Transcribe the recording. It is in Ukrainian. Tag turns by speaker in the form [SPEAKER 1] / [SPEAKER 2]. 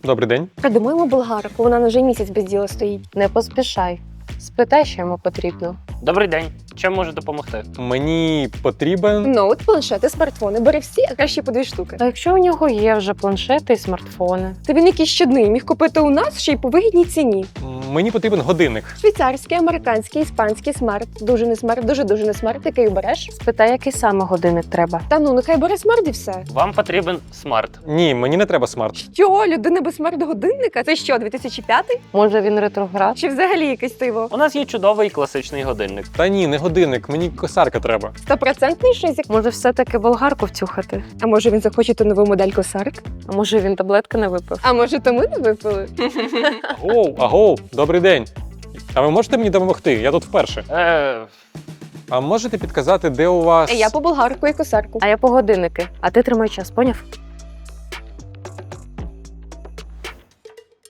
[SPEAKER 1] Добрий день.
[SPEAKER 2] Придумаємо болгарку, вона вже місяць без діла стоїть.
[SPEAKER 3] Не поспішай. Спитай, що йому потрібно.
[SPEAKER 4] Добрий день. Чим можу допомогти?
[SPEAKER 1] Мені потрібен.
[SPEAKER 2] Ноут, планшети, смартфони. Бери всі, а краще по 2 штуки.
[SPEAKER 3] А якщо у нього є вже планшети і смартфони?
[SPEAKER 2] Та він якийсь щодний, міг купити у нас ще й по вигідній ціні.
[SPEAKER 1] Мені потрібен годинник.
[SPEAKER 2] Швейцарський, американський, іспанський, смарт. Дуже не смарт, дуже не смарт. Який береш?
[SPEAKER 3] Спитай, який саме годинник треба.
[SPEAKER 2] Та ну, нехай бере смарт і все.
[SPEAKER 4] Вам потрібен смарт.
[SPEAKER 1] Ні, мені не треба смарт.
[SPEAKER 2] Що, людина без смарт-годинника? Це що, 2005?
[SPEAKER 3] Може він ретроград?
[SPEAKER 2] Чи взагалі якесь диво?
[SPEAKER 4] У нас є чудовий класичний годинник.
[SPEAKER 1] Та ні, не годинник, мені косарка треба.
[SPEAKER 2] 100% шизик?
[SPEAKER 3] Може все-таки болгарку втюхати?
[SPEAKER 2] А може він захоче ту нову модель косарк?
[SPEAKER 3] А може він таблетки не випив?
[SPEAKER 2] А може то ми не випили?
[SPEAKER 1] Агоу, добрий день. А ви можете мені допомогти? Я тут вперше. А можете підказати, де у вас.
[SPEAKER 2] Я по болгарку і косарку.
[SPEAKER 3] А я по годинники. А ти тримай час, поняв?